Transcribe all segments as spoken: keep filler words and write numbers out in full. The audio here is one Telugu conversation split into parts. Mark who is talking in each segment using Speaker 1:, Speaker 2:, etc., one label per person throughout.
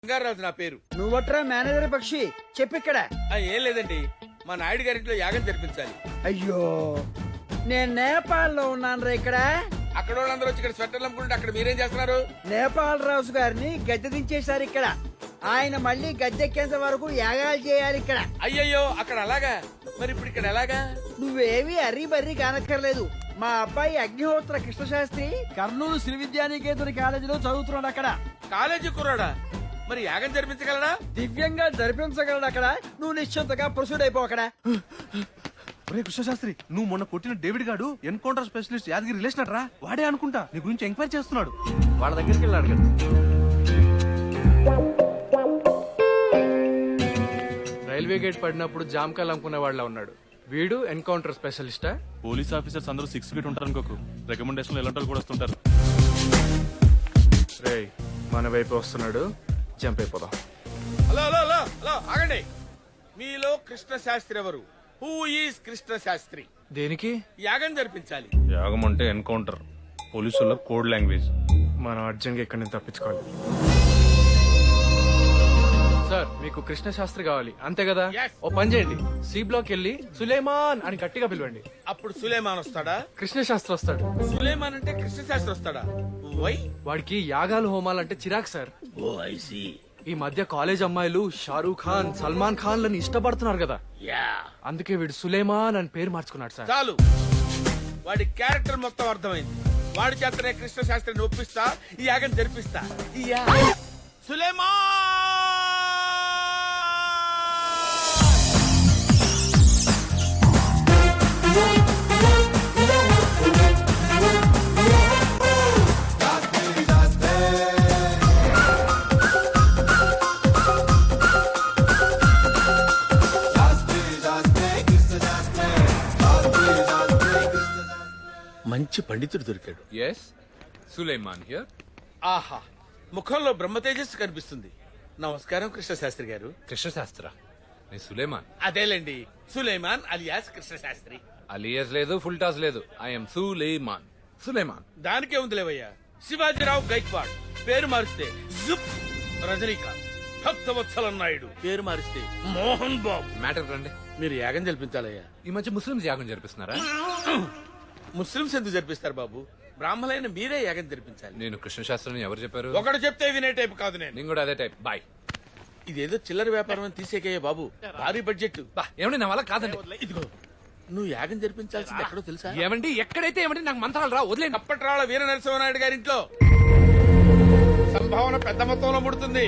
Speaker 1: బంగారాజు నా పేరు.
Speaker 2: నువ్వట్రా మేనేజర్ పక్షి చెప్పిక్కడ.
Speaker 1: ఆ, ఏం లేదండి, మా నాయుడు గారింట్లో యాగం జరిపించాలి.
Speaker 2: అయ్యో నేను నేపాల్ లో ఉన్నాను రా. ఇక్కడ
Speaker 1: అక్కడ వాళ్ళందరూ వచ్చి ఇక్కడ స్వెటర్లు అమ్ముకుంటే అక్కడ మీరేం చేస్తున్నారు?
Speaker 2: నేపాల్ రాజు గారిని గద్దె దించేశారు. ఇక్కడ ఆయన మళ్ళీ గద్దెక్కేంత వరకు యాగాలు చేయాలి ఇక్కడ.
Speaker 1: అయ్యయ్యో, అక్కడ అలాగా? మరి ఇప్పుడు ఇక్కడ ఎలాగా?
Speaker 2: నువ్వేవి అర్రీ బర్రీ కానక్కర్లేదు. మా అబ్బాయి అగ్నిహోత్ర కృష్ణశాస్త్రి కర్నూలు శ్రీ విద్యానికేతన్ కాలేజీలో చదువుతున్నాడు. అక్కడ
Speaker 1: కాలేజీ కుర్రాడా? మరి యాగం జరిపించగలడా?
Speaker 2: దివ్యంగా జరిపించగలడు. అక్కడ నువ్వు నిశ్చింతగా ప్రొసీడ్ అయిపో. అక్కడ
Speaker 3: ఒరే కృష్ణశాస్త్రి, నువ్వు మొన్న కొట్టిన డేవిడ్ గాడు ఎన్కౌంటర్ స్పెషలిస్ట్ యాదగిరి రిలేషన్ రా. వాడే అనుకుంటా నీ గురించి ఎంక్వైరీ చేస్తున్నాడు.
Speaker 4: వాళ్ళ దగ్గరికి వెళ్ళాడు కదా. రైల్వే గేట్ పడినప్పుడు జామకాయలు అమ్ముకునే వాళ్ళ ఉన్నాడు వీడు. ఎన్కౌంటర్ స్పెషలిస్టా?
Speaker 5: పోలీస్ ఆఫీసర్స్ అందరూ సిక్స్ ఫీట్ ఉంటారు అనుకోకు. రికమెండేషన్ ఎలాంటి వాళ్ళు కూడా వస్తుంటారు.
Speaker 4: రేయ్, మన వైపు వస్తున్నాడు, జంప్ అయిపోదాం.
Speaker 1: హలో హలో హలో హలో ఆగండి. మీలో కృష్ణ శాస్త్రి ఎవరు? Who is Krishna Shastri?
Speaker 4: దేనికి?
Speaker 1: యాగం జరిపించాలి.
Speaker 5: యాగం అంటే ఎన్కౌంటర్, పోలీసుల కోడ్ లాంగ్వేజ్.
Speaker 4: మనం అర్జెంట్ గా ఇక్కడి నుంచి తప్పించుకోవాలి. సార్, మీకు కృష్ణ శాస్త్రి కావాలి అంతే కదా?
Speaker 1: Yes.
Speaker 4: ఓ పని చేయండి, సి బ్లాక్ వెళ్ళి సులేమాన్ అని గట్టిగా పిలవండి.
Speaker 1: అప్పుడు సులేమాన్ వస్తాడా?
Speaker 4: కృష్ణ శాస్త్రి వస్తాడు.
Speaker 1: సులేమాన్ అంటే కృష్ణ శాస్త్రి వస్తాడా? వై?
Speaker 4: వాడికి యాగాలు హోమాలంటే చిరాకు సార్.
Speaker 1: Oh I see.
Speaker 4: ఈ మధ్య కాలేజ్ అమ్మాయిలు షారూక్ ఖాన్, సల్మాన్ ఖాన్ లని ఇష్టపడుతున్నారు కదా,
Speaker 1: యా.
Speaker 4: అందుకే వీడు సులేమాన్ అని పేరు మార్చుకున్నాడు సార్.
Speaker 1: చాలు, వాడి క్యారెక్టర్ మొత్తం అర్థమైంది. వాడి చేతనే కృష్ణ శాస్త్రిని ఒప్పిస్తా, ఈ యాగం జరిపిస్తా. ఈ యా- సులేమాన్! మంచి పండితుడు దొరికాడు.
Speaker 6: Yes, Sulaiman here.
Speaker 1: ఆహా, ముఖంలో బ్రహ్మ తేజస్సు కనిపిస్తుంది. నమస్కారం కృష్ణ శాస్త్రి గారు.
Speaker 6: కృష్ణశాస్త్ర, నేను సులేమాన్.
Speaker 1: అదేలేండి, సులేమాన్ అలియాస్ కృష్ణ శాస్త్రి.
Speaker 6: అలియస్ లేదు, ఫుల్ టాస్ లేదు. ఐఎమ్ సులేమాన్. సులేమాన్.
Speaker 1: దానికే ఉంది లేవయ్యా. శివాజీరావు గైక్వాడ్ పేరు మారిస్తే జుప్. రజనీకాంత్, భక్తవత్సల నాయుడు పేరు మారిస్తే మోహన్ బాబు.
Speaker 6: మ్యాటర్ రండి.
Speaker 1: మీరు యాగం జరిపించాలయ్యా.
Speaker 6: ఈ మధ్య ముస్లింస్ యాగం జరిపిస్తున్నారా?
Speaker 1: ముస్లింస్ ఎందుకు జరిపిస్తారు బాబు? బ్రాహ్మణులైన మీరే యాగం జరిపించాలి.
Speaker 6: నేను కృష్ణశాస్త్రిని ఎవరు చెప్పారు?
Speaker 1: ఒకడు చెప్తే వినే టైప్ కాదు నేను.
Speaker 6: నేను కూడా అదే టైప్. బాయ్.
Speaker 1: ఇదేదో చిల్లర వ్యాపారం అని తీసేకయ్యా బాబు. భారీ బడ్జెట్.
Speaker 6: బా, ఏమండి నా వల్ల కాదండి.
Speaker 1: ఇదిగో, నువ్వు యాగం జరిపించాల్సింది ఎక్కడో తెలుసా?
Speaker 6: ఏమండి ఎక్కడైతే ఏమండి, నాకు మంత్రాలు రా, వదిలేండి.
Speaker 1: అప్పట్రాళ్ళ వీర నరసింహనాయుడు గారింట్లో సంభావన పెద్ద మొత్తంలో ముడుతుంది.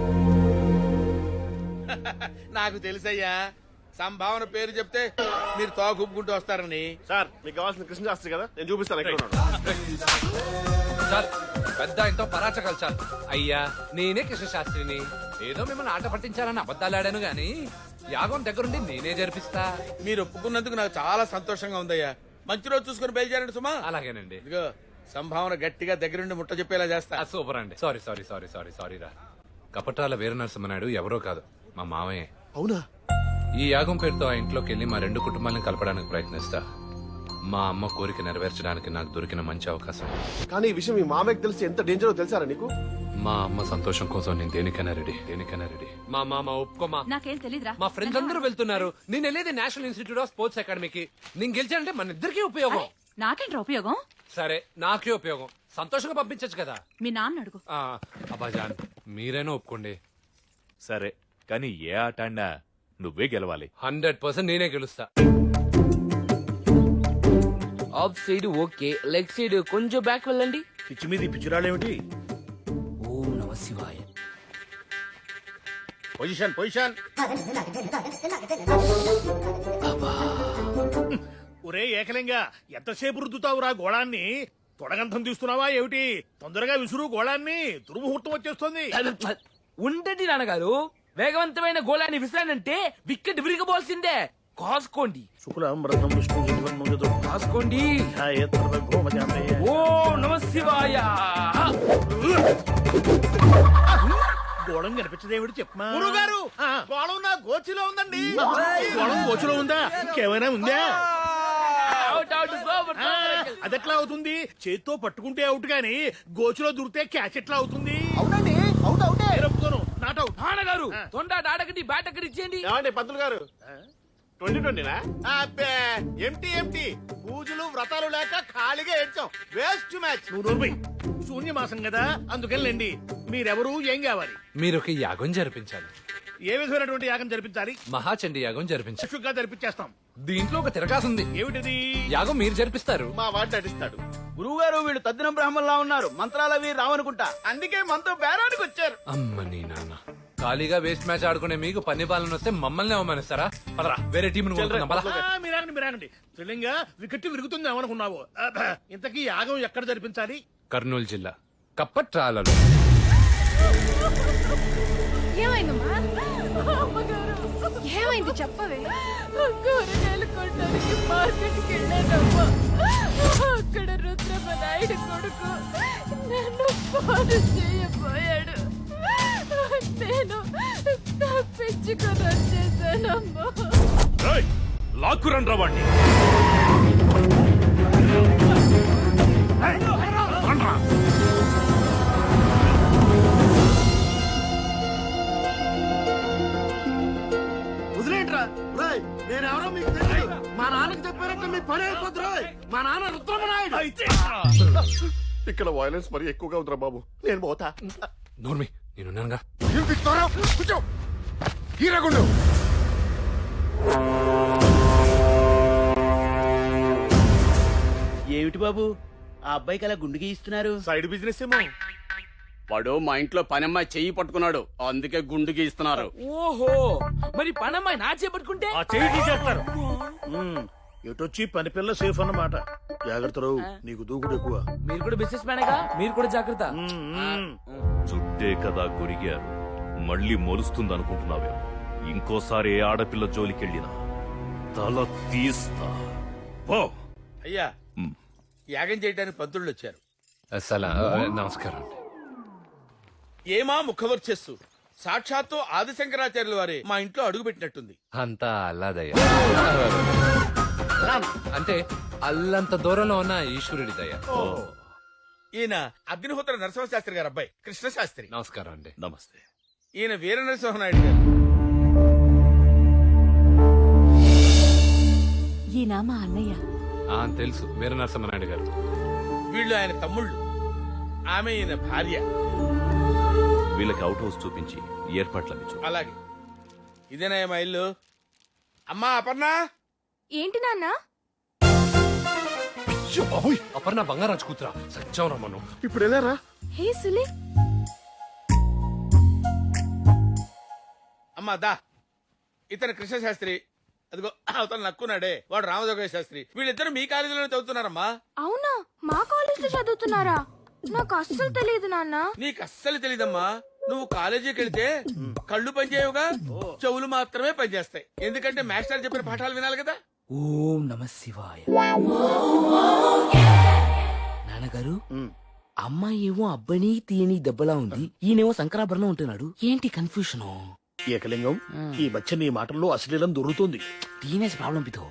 Speaker 1: నాకు తెలుసయ్యా, సంభావన పేరు చెప్తే మీరు తోగుకుంటూ వస్తారని.
Speaker 3: సార్, మీకు కావాల్సిన కృష్ణశాస్త్రి కదా, నేను చూపిస్తాను ఎక్కడ ఉన్నాడు.
Speaker 6: చాలు, పెద్ద ఆయనతో పరాచకాలు చాలు. అయ్యా, నేనే కృష్ణశాస్త్రిని. ఏదో మిమ్మల్ని ఆట పట్టించాలని అబద్ధాలు ఆడాను గాని యాగం దగ్గరుండి నేనే జరిపిస్తా.
Speaker 1: మీరు ఒప్పుకున్నందుకు నాకు చాలా సంతోషంగా ఉందయ్యా. మంచి రోజు చూసుకుని బయలుదేరండి సుమా.
Speaker 6: అలాగేనండి.
Speaker 1: ఇదిగో, సంభావన గట్టిగా దగ్గరుండి ముట్ట చెప్పేలా చేస్తా.
Speaker 6: ఆ, సూపర్ అండి. Sorry sorry sorry sorry sorry రా. కపటాల వీర నరసింహనాయుడు ఎవరో కాదు, మా మామయ్య.
Speaker 3: అవునా?
Speaker 6: ఈ యాగం పేరుతో ఆ ఇంట్లోకి వెళ్లి మా రెండు కుటుంబాలను కలపడానికి ప్రయత్నిస్తా. మా అమ్మ కోరిక నెరవేర్చడానికి నాకు దొరికిన మంచి అవకాశం.
Speaker 3: కానీ ఈ విషయం మీ మామయ్యకి తెలిసి ఎంత డేంజరో తెలుసారా నీకు?
Speaker 6: మా అమ్మ సంతోషం కోసం నేను దేనికైనా రెడీ, దేనికైనా రెడీ. మా మామ ఒప్పుకోమా.
Speaker 7: నాకేం తెలీదురా.
Speaker 6: మా ఫ్రెండ్స్ అందరూ వెళ్తున్నారు, నేను వెళ్ళేది నేషనల్ ఇన్స్టిట్యూట్ ఆఫ్ స్పోర్ట్స్ అకాడమీకి. నేను గెలిచానంటే మన ఇద్దరికీ ఉపయోగం.
Speaker 7: నాకేంట్రా ఉపయోగం?
Speaker 6: సరే, నాకే ఉపయోగం. సంతోషంగా పంపించచ్చు కదా.
Speaker 7: మీ నాన్న అడుగు.
Speaker 6: ఆ, అబ్బాజాన్, మీరైనా ఒప్పుకోండి.
Speaker 5: సరే, కానీ ఏ ఆట ఆడినా నువ్వే గెలవాలి.
Speaker 6: హండ్రెడ్ పర్సెంట్ నేనే గెలుస్తా.
Speaker 8: Off side okay, leg side కొంచెం బ్యాక్ వెళ్ళండి.
Speaker 1: పిచ్చి మీద పిచ్చిరాడేమిటి?
Speaker 8: ఓం నమ శివాయ.
Speaker 1: Position position.
Speaker 9: ఒరే ఏకలింగా, ఎంతసేపు రుద్దుతావురా గోళాన్ని? తొడగంతం తీస్తున్నావా ఏమిటి? తొందరగా విసురు గోళాన్ని, దుర్ముహూర్తం వచ్చేస్తుంది.
Speaker 8: ఉండండి నాన్నగారు, వేగవంతమైన గోళాన్ని విసిరానంటే వికెట్ విరిగబోల్సిందే. కాసుకోండి,
Speaker 9: శుక్లం బ్రహ్మం విష్ణు జగన్మోహితో
Speaker 8: కాసుకోండి.
Speaker 9: ధ్యాయేత్తర్వగోమజామే.
Speaker 8: ఓం నమ శివాయ.
Speaker 9: గోళం కనిపించదేవిడు చెప్పమా. గురుగారు, గోళం నా గోచిలో ఉందండి. గోళం గోచిలో ఉందా? ఇంకేమైనా ఉందా?
Speaker 8: Out out super super.
Speaker 9: అదెట్లా అవుతుంది? చేత్తో పట్టుకుంటే అవుట్ గాని గోచులో దూరితే క్యాచ్ ఎట్లా అవుతుంది?
Speaker 3: అవునండి, అవుట్ అవుటే.
Speaker 9: నేను ఒప్పుకోను. నా
Speaker 8: తొండాట ఆడకండి బ్యాట్ అక్కడ ఇచ్చేయండి.
Speaker 9: ఏమండి పంతులు గారు ట్వంటీ ట్వంటీనా అబ్బే ఎంటీ ఎంటీ పూజలు వ్రతాలు లేక ఖాళీగా ఏడ్చాం వేస్ట్ మ్యాచ్ నువ్వు నూరుపై శూన్యమాసం కదా అందుకెళ్ళండి మీరెవరు ఏం కావాలి
Speaker 6: మీరు ఒక యాగం జరిపించాలి.
Speaker 9: ఏ విధమైనటువంటి యాగం జరిపించాలి
Speaker 6: మహాచండి యాగం జరిపించాలి.
Speaker 9: చక్షుగా జరిపించేస్తాం
Speaker 6: దీంట్లో ఒక తిరగాసుంది.
Speaker 9: ఏమిటిది
Speaker 6: యాగం మీరు జరిపిస్తారు.
Speaker 9: మా వాడు నటిస్తాడు
Speaker 2: గురువుగారు వీళ్ళు తద్దినం బ్రాహ్మణులా ఉన్నారు, మంత్రాలవి రావనుకుంటా, అందుకే మనతో బేరానికి వచ్చారు.
Speaker 6: అమ్మ నీ నాన్న ఖాళీగా వేస్ట్ మ్యాచ్ ఆడుకునే మీకు పన్ని బాలను వస్తే మమ్మల్ని అవమానిస్తారా? పదరా వేరే టీం
Speaker 9: మీరాగండి మీరాగండి త్రిలింగా వికెట్ విరుగుతుంది ఏమనుకున్నావు అబ్బా, ఇంతకీ యాగం ఎక్కడ జరిపించాలి?
Speaker 6: కర్నూలు జిల్లా కప్పట్రాలలో.
Speaker 7: ఏమైందమ్మా? ఏమైంది చెప్పవే?
Speaker 10: కూరగాయలు కొనడానికి మార్కెట్కి వెళ్ళానమ్మా. అక్కడ రుద్రమ్మ నాయుడు కొడుకు నన్ను ఫోన్ చేయబోయాడు. నేను తప్పించుకొని వచ్చేసానమ్మా.
Speaker 5: లాక్కురండ్రా వాణ్ణి.
Speaker 9: వదిలేంట్రా నేనెవరో మీకు తెలియదు. మా నాన్నకి చెప్పారంటే మీ పని అయిపోతురా. మా నాన్న రుద్రమనాయుడు. ఇక్కడ వైలెన్స్ మరి ఎక్కువగా ఉందిరా బాబు, నేను పోతా.
Speaker 6: నోర్మి నేనున్నానుగా.
Speaker 9: హీరగుండు
Speaker 2: ఏమిటి బాబు ఆ అబ్బాయికి అలా గుండు గీయిస్తున్నారు?
Speaker 9: సైడ్ బిజినెస్ ఏమో.
Speaker 11: వాడు మా ఇంట్లో పనమ్మాయి చెయ్యి పట్టుకున్నాడు, అందుకే గుండు గీస్తున్నారు.
Speaker 8: ఓహో మరి పనమ్మాయి నా చేపట్టుకుంటే
Speaker 9: ఆ చెయ్యి తీసేస్తారు. ఎటొచ్చి పని పిల్ల సేఫ్ అన్నమాట. జాగ్రత్తలు, నీకు దూకుడు ఎక్కువ.
Speaker 8: మీరు కూడా బిజినెస్ మ్యానేగా, మీరు కూడా జాగ్రత్త.
Speaker 5: చుట్టే కదా గొరిగారు, మళ్ళీ మొలుస్తుందనుకుంటున్నావే. ఇంకోసారి ఏ ఆడపిల్ల జోలికెళ్ళినా తల తీస్తా. పో.
Speaker 1: అయ్యా
Speaker 5: మ్.
Speaker 1: యాగం చేయడానికి పంతుళ్ళు వచ్చారు.
Speaker 6: అసలు నమస్కారం.
Speaker 1: ఏమా ముఖవర్చస్సు, సాక్షాత్తు ఆదిశంకరాచార్యుల వారే మా ఇంట్లో అడుగు పెట్టినట్టుంది.
Speaker 6: అంతా అల్లాదయ్య. అంటే అల్లంత దూరంలో ఉన్న ఈశ్వరుడి దయ.
Speaker 1: ఈయన అగ్నిహోత్ర నరసింహశాస్త్రి గారు అబ్బాయి కృష్ణశాస్త్రి.
Speaker 6: నమస్కారం అండి.
Speaker 5: నమస్తే.
Speaker 1: ఈయన వీర నరసింహనాయుడు గారు.
Speaker 10: ఈయన మా అన్నయ్య.
Speaker 6: ఆ తెలుసు, వీర నరసింహనాయుడు గారు.
Speaker 1: వీళ్ళు ఆయన తమ్ముళ్ళు, ఆమె ఈయన భార్య.
Speaker 5: వీళ్ళకి అవుట్ హౌస్ చూపించి ఏర్పాట్లవి చూ.
Speaker 1: అలాగే ఇదేనా మా ఇల్లు? అమ్మా అపర్ణ,
Speaker 7: ఏంటి నాన్న?
Speaker 6: అపర్ణ బంగారాజు కూతురా సత్యం రమ్మను.
Speaker 9: ఇప్పుడు వెళ్ళారా?
Speaker 7: హే సులే,
Speaker 1: అమ్మా దా. ఇతను కృష్ణశాస్త్రి, అదిగో అవతల నక్కున్నాడే వాడు రామజోగయ్య శాస్త్రి. వీళ్ళిద్దరు మీ కాలేజీలోనే చదువుతున్నారమ్మా.
Speaker 7: అవునా? మా కాలేజ్ లో చదువుతున్నారా? నాకు అస్సలు తెలియదు నాన్న.
Speaker 1: నీకు అస్సలు తెలీదమ్మా. నువ్వు కాలేజీకి వెళ్తే కళ్ళు పనిచేయవుగా, చెవులు మాత్రమే పనిచేస్తాయి. ఎందుకంటే మాస్టర్ చెప్పిన పాఠాలు వినాలి కదా.
Speaker 8: ఓం నమ శివాయ. నాన్నగారు, అమ్మాయి ఏమో అబ్బాయిని తీయని దెబ్బలా ఉంది, ఈయనేమో శంకరాభరణం ఉంటున్నాడు. ఏంటి కన్ఫ్యూషన్?
Speaker 9: ఏకలింగం, ఈ మధ్య నీ మాటల్లో అశ్లీలం దొరుకుతుంది.
Speaker 8: Teenage problem పితో.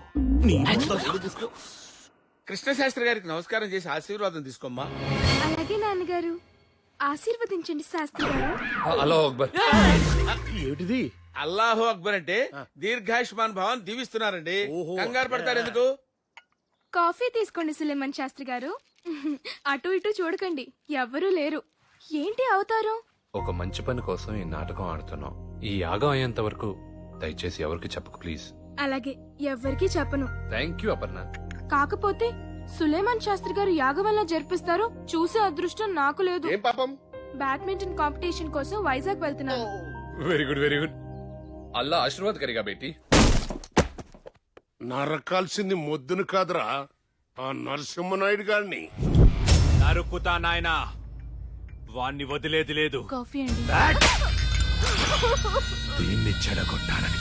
Speaker 1: కృష్ణశాస్త్రి గారికి నమస్కారం చేసి ఆశీర్వాదం తీసుకోమ్మా.
Speaker 7: అలాగే నాన్నగారు, ఆశీర్వదించండి శాస్త్రి గారు.
Speaker 6: హలో అక్బర్.
Speaker 9: ఏమిటిది?
Speaker 1: అల్లాహో అక్బర్ అంటే దీర్ఘాయుష్మాన్ భవన్ దీవిస్తున్నారండి. కంగారు పడతారు ఎందుకు?
Speaker 7: కాఫీ తీసుకోండి సులేమన్ శాస్త్రి గారు. అటు ఇటు చూడకండి, ఎవ్వరూ లేరు. ఏంటి అవతారం?
Speaker 6: ఒక మంచి పని కోసం ఈ నాటకం ఆడుతున్నాం. ఈ యాగం అయ్యేంత వరకు దయచేసి ఎవరికి చెప్పకు ప్లీజ్.
Speaker 7: అలాగే, ఎవ్వరికీ చెప్పను.
Speaker 6: Thank you Aparna.
Speaker 7: కాకపోతే సులేమాన్ శాస్త్రి గారు యాగం వల్ల జరిపిస్తారు, చూసే అదృష్టం నాకు లేదు.
Speaker 9: ఏం పాపం?
Speaker 7: బ్యాడ్మింటన్ కాంపిటీషన్ కోసం వైజాగ్ వెళ్తున్నాను.
Speaker 6: Very good very good. Allah ఆశీర్వాద్ కరిగా బేటీ.
Speaker 9: నరకాల్సింది మొద్దును కాదురా, ఆ నరసింహనాయుడు గారిని.
Speaker 5: నరుకుతా నాయనా, వాణ్ణి వదిలేది లేదు.
Speaker 7: కాఫీ అండి.
Speaker 5: దీన్ని చెడగొట్టాలని